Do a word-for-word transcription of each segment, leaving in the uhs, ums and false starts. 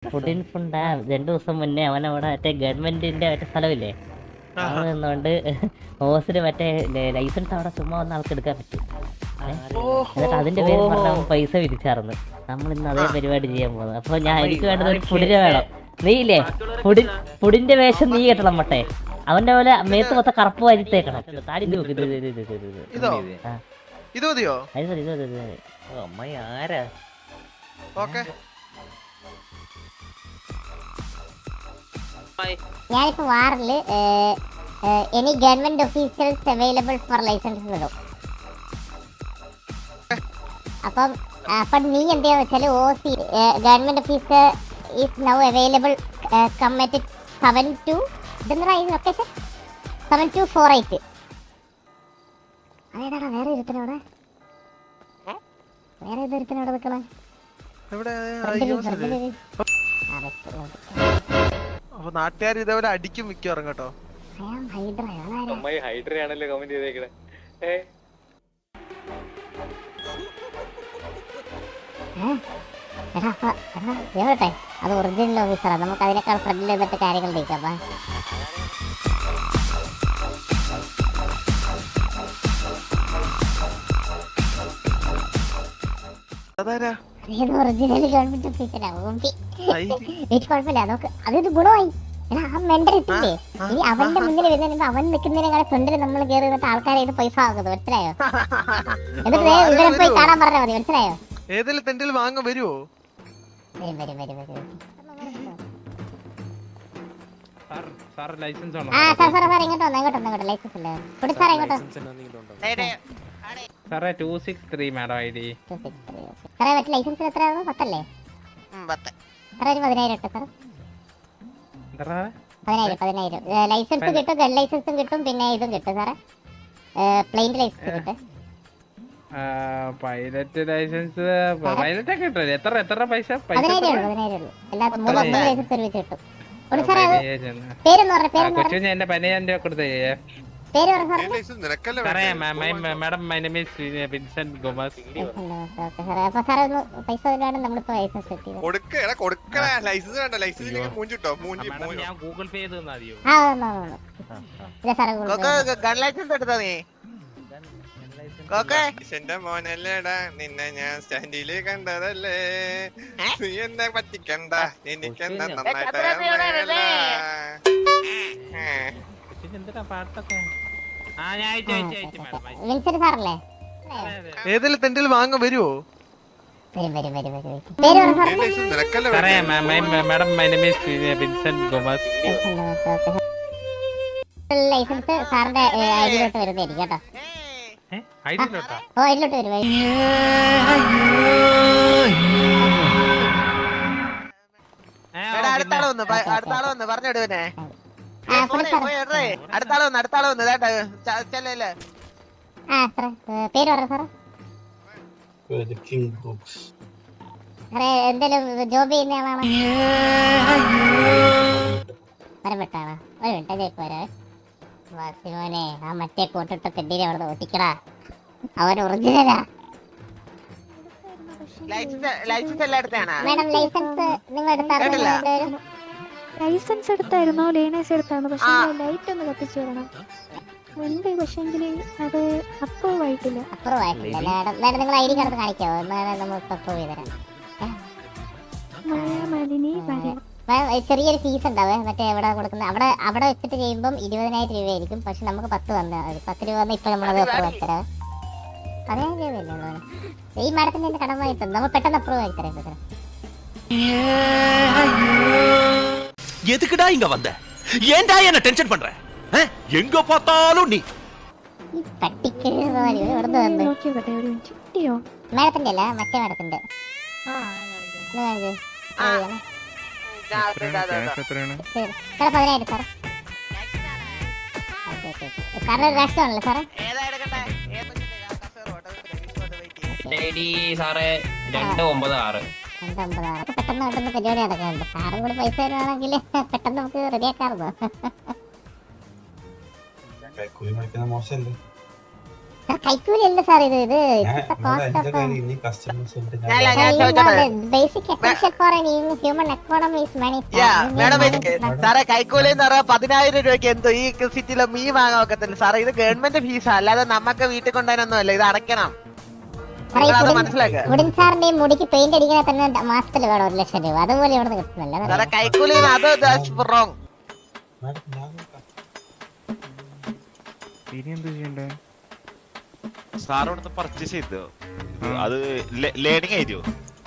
ഫുഡിൻ ഫുണ്ടാ രണ്ടു ദിവസം മുന്നേ അവൻ അവിടെ മറ്റേ ഗവൺമെന്റിന്റെ മറ്റേ സ്ഥലമില്ലേ അവിടെ നിന്നോണ്ട് ഹോസിന് മറ്റേ ലൈസൻസ് അവിടെ ചുമ്മാ വന്ന ആൾക്ക് എടുക്കാൻ പറ്റും. എന്നിട്ട് അതിന്റെ പേര് പറഞ്ഞ അവൻ പൈസ വിരിച്ചാർന്ന്. നമ്മൾ ഇന്ന് അതേ പരിപാടി ചെയ്യാൻ പോകുന്നത്. അപ്പൊ ഞാൻ എനിക്ക് വേണ്ടത് ഒരു ഫുഡിനെ വേണം. നീ ഇല്ലേ ഫുഡിൻ ഫുഡിന്റെ വേഷം നീ കെട്ടണം മട്ടെ. അവന്റെ പോലെ മേത്ത് മൊത്തം കറുപ്പ് വാരിത്തേക്കണം. താടി നോക്ക് ഇത് ഇത് ഇത് ഇത് ഇത് ഇത് മതിയോ? അമ്മായി ആരാ? ഞാനിപ്പോ വാറില് any government officials available for license വിടും. അപ്പം അപ്പം നീ എന്താന്ന് വെച്ചാല് O C government officer is now available commit seven two ഇതെന്താ ഈ location seven two four eight. അതേടാ വേറെ ഇരുത്തനോടെ വേറെ ഏത് ഇരുത്തനോടെ നിൽക്കണേ? അപ്പൊ നാട്ടുകാർ ഇതേപോലെ അടിക്കും മിക്കവാറും കേട്ടോ. ഹൈഡ്രയാണല്ലോ കമന്റ് ചെയ്തേക്കണേ. അത് ഒറിജിനൽ ഓഫീസറാ. നമുക്ക് അതിനേക്കാൾ ഫ്രണ്ടിൽ എന്നിട്ട് കാര്യങ്ങൾ നീക്കാം. Original government ഓഫീസറാ. കുഴപ്പമില്ല നോക്ക്. അതൊരു ഗുണമായി. ആ മെന്റൽ എത്തില്ലേ ഇനി അവന്റെ മുന്നിൽ വരുന്നതിന് അവൻ നിൽക്കുന്നതിനെ ഫ്രണ്ടിൽ നമ്മൾ കയറി നിന്നിട്ട് ആൾക്കാരെ ഇത് പൈസ ആകുന്നത് മനസ്സിലായോ? എന്നിട്ട് ഇവരെ പോയി കാണാൻ പറഞ്ഞാൽ മതി. മനസ്സിലായോ? ഏതെങ്കിലും തെണ്ടിൽ വാങ്ങാൻ വരുമോ? വരും വരും വരും വരും. ആ സാർ സാർ സാർ ഇങ്ങോട്ട് വന്നോ ഇങ്ങോട്ട് വന്നോ. ലൈസൻസ് ഇല്ല കൊടു സാറേ ഇങ്ങോട്ട്. സാറേ two six three madam I D. സാറേ മറ്റേ ലൈസൻസിന് എത്രയാണോ? പത്തല്ലേ? സാറേ ഒരു പതിനായിരം ഇട്ടോ സാർ. പതിനായിരം പതിനായിരം ലൈസൻസ് കിട്ടും. ഗൺ ലൈസൻസും കിട്ടും പിന്നെ ഇതും കിട്ടും സാറേ. പ്ലെയിൻ ലൈസൻസ് കിട്ടും. പൈലറ്റ് ലൈസൻസ് പൈലറ്റ് ഒക്കെ കിട്ടും. എത്ര എത്ര പൈസ? പതിനായിരം ഉള്ളൂ പതിനായിരം ഉള്ളൂ. എല്ലാ മൂന്ന് മൂന്ന് ലൈസൻസ് ഒരുമിച്ച് കിട്ടും. സാറേ പേരെന്ന് പറഞ്ഞ പേരെന്ന് കൊച്ചു എന്റെ പതിനയ്യായിരം രൂപ കൊടുത്തേ. പേര് പറ സാറേ. Madam my name is Vincent Gomes. Okay സാറേ. അപ്പോൾ സാറേ ഒന്ന് പൈസ തരാണ് നമ്മളിപ്പോ ലൈസൻസ് സെറ്റ് ചെയ്തത്. കൊടുക്കടാ കൊടുക്കടാ. ലൈസൻസ് വേണ്ട. ലൈസൻസ് മൂഞ്ചിട്ടോ മൂഞ്ചി. ഞാൻ ഗൂഗിൾ പേ ചെയ്ത് തന്നാ മതിയോ? ആ വന്നോ വന്നോ. ഇല്ല സാറേ ഗൂഗിൾ ഗൺ ലൈസൻസ് എടുത്താ നീ. എന്റെ മോനല്ലേടാ നിന്നെ ഞാൻ സ്റ്റാൻഡില് കണ്ടതല്ലേ. നീ എന്നെ പറ്റിക്കണ്ട. എനിക്കെന്താ നന്നായിട്ട് ഏതെങ്കിലും തെണ്ടിൽ വാങ്ങാൻ വരുമോ? വരും വരും വരും വരും. പേര് പറ സാറേ. Madam my name is Vincent Gomes. Licence സാറിന്റെ ഐഡിയിലോട്ട് വരുന്നതായിരിക്കും കേട്ടോ. ഐഡിയിലോട്ടാ? ഓ ഐഡിയിലോട്ട് വരും. അടുത്താളെ വന്ന് അടുത്താളെ വന്ന് പറഞ്ഞിടുവനെ. അടുത്താളെ വന്ന് അടുത്താളെ വന്ന് ചെല്ലല്ലേ. ആ സാറേ പേര് പറ സാറേ. സാറേ എന്തേലും ജോബ് ചെയ്യുന്ന ആളാണോ? വരപ്പെട്ടാണോ? ഒരു മിനിറ്റ് ഇപ്പൊ വരാ. വാസിമോനെ ആ മറ്റേ കോട്ടിട്ട തെണ്ടിനെ അവിടെ ഓട്ടിക്കടാ. അവൻ ഒറിജിനലാ. ലൈസൻസ് എല്ലാം എടുത്താണോ? മാഡം ലൈസൻസ് നിങ്ങൾ എടുത്തായിരുന്നോ? ലൈസൻസ് എടുത്തായിരുന്നോ? ലേണേഴ്സ് എടുത്തായിരുന്നു. പക്ഷേ ലൈറ്റ് ഒന്ന് കത്തിച്ചു തരണം. ഉണ്ട് പക്ഷെങ്കിൽ അത് അപ്രൂവ് ആയിട്ടില്ല. അപ്രൂവ് ആയിട്ടില്ല മാഡം. മാഡം നിങ്ങൾ ഐ ഡി കാർഡ് കാണിക്കാവോ? എന്നാലും നമ്മൾ അപ്രൂവ് ചെയ്ത് തരാം. മായാമാലിനി വരെ ചെറിയൊരു ഫീസ് ഉണ്ടാവേ. മറ്റേ എവിടെ കൊടുക്കുന്ന അവിടെ അവിടെ വെച്ചിട്ട് ചെയ്യുമ്പോൾ ഇരുപതിനായിരം രൂപയായിരിക്കും. പക്ഷെ നമുക്ക് പത്ത് തന്നാൽ മതി. പത്ത് രൂപ വന്നാൽ ഇപ്പൊ നമ്മളത് അപ്രൂവ് ആക്കി തരാം. പതിനായിരം രൂപയല്ലേ ഉള്ളൂ. ഈ മാഡത്തിന്റെ എന്റെ കടമായിട്ട് നമ്മൾ പെട്ടെന്ന് അപ്രൂവ് ആക്കി തരാം. സാർ எதுக்குடா இங்க வந்த? ஏன்டா என்ன டென்ஷன் பண்ற? எங்க பார்த்தாலும் நீ ഈ പട്ടിക്ക് എവിടുന്ന് വന്ന് നോക്കിയോട്ടെ ഒരു മിനിറ്റ്. കിട്ടിയോ? മാഡത്തിന്റെ അല്ല മറ്റേ മാഡത്തിന്റെ. സാറേ പതിനായിരം സാറേ. സാറിന് ഒരു രാഷ്ട്രമാണല്ലോ സാറേ. രണ്ട് ഒമ്പത് ആറ് രണ്ട് ഒമ്പത് ആറ്. പെട്ടെന്ന് പെട്ടെന്ന് പരിപാടി നടക്കാറുണ്ട്. സാറും കൂടി പൈസ തരുവാണെങ്കിൽ പെട്ടെന്ന് നമുക്ക് റെഡിയാക്കാറുണ്ടോ? കൈക്കൂലി അല്ല സാർ ഇത് ഇത് basic essential for human economy is money. സാറേ കൈക്കൂലി എന്ന് പറയാ പതിനായിരം രൂപയ്ക്ക് എന്തോ ഈ സിറ്റിയിലെ മീൻ വാങ്ങാൻ ഒക്കത്തില്ല സാറേ. ഇത് ഗവൺമെന്റ് ഫീസാ, അല്ലാതെ നമുക്ക് വീട്ടിൽ കൊണ്ടുവരാനൊന്നും അല്ല. ഇത് അടയ്ക്കണം, മനസ്സിലാക്കുക. ഉടൻ സാറിന്റെ മുടിക്ക് പെയിന്റ് അടിക്കണ തന്നെ മാസത്തിൽ വേണം ഒരു ലക്ഷം രൂപ. അതുപോലെ ഇവിടെ കിട്ടുന്നില്ല സാറേ കൈക്കൂലി. അത് റോങ്. സാർ ഇവിടുന്ന് പർച്ചേസ് ചെയ്തോ? അത് ലേണിംഗ് ആയിരിക്കും.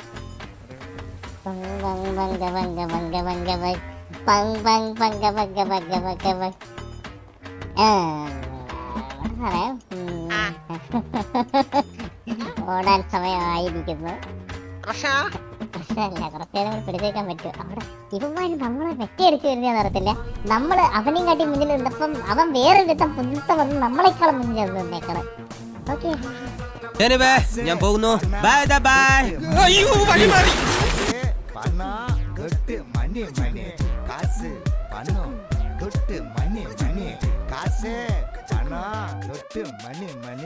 ഓടാൻ സമയമായിരിക്കുന്നു. പ്രശ്നമല്ല, കുറച്ചു നേരം കൂടി പിടിച്ചേക്കാൻ പറ്റും. അവിടെ ഇവന്മാര് നമ്മളെ വെട്ടിയടിച്ചു വരുന്ന അറിയത്തില്ല. നമ്മള് അവനെയും കാട്ടി മുന്നിൽ നിന്നപ്പം അവൻ വേറെ വിധം പുതുത്ത വന്ന് നമ്മളെക്കാളും മുന്നിൽ നിന്നേക്കണം. ഓക്കെ ഞാൻ പോകുന്നു. Bye bye. അയ്യോ വഴി മാറി. മണി മണി കാശ് പണം കൊട്ട് മണി മണി കാശ് പണം കൊട്ട് മണി മണി.